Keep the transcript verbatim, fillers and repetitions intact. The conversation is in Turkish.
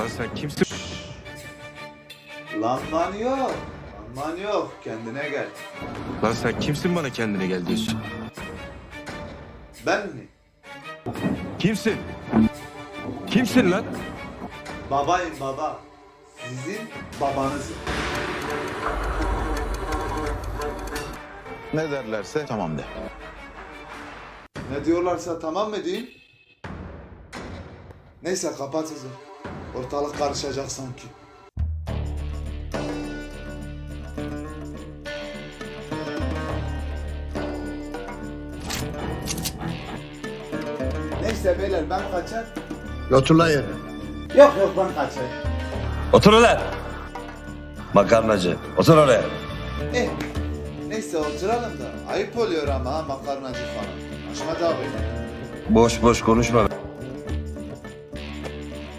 Lan sen kimsin? Lan man yok. Lan man yok. Kendine gel. Lan sen kimsin bana kendine gel diyorsun? Ben mi? Kimsin? Kimsin lan? Babayım baba. Sizin babanızım. Ne derlerse tamam de. Ne diyorlarsa tamam mı diyeyim? Neyse kapat hızı. Ortalık karışacak sanki. Neyse beyler ben kaçar. Otur lan yere. Yok yok ben kaçar. Otur ulan. Makarnacı. Otur oraya. Eh, neyse oturalım da ayıp oluyor ama ha makarnacı falan. Ahmet abi. Boş boş konuşma.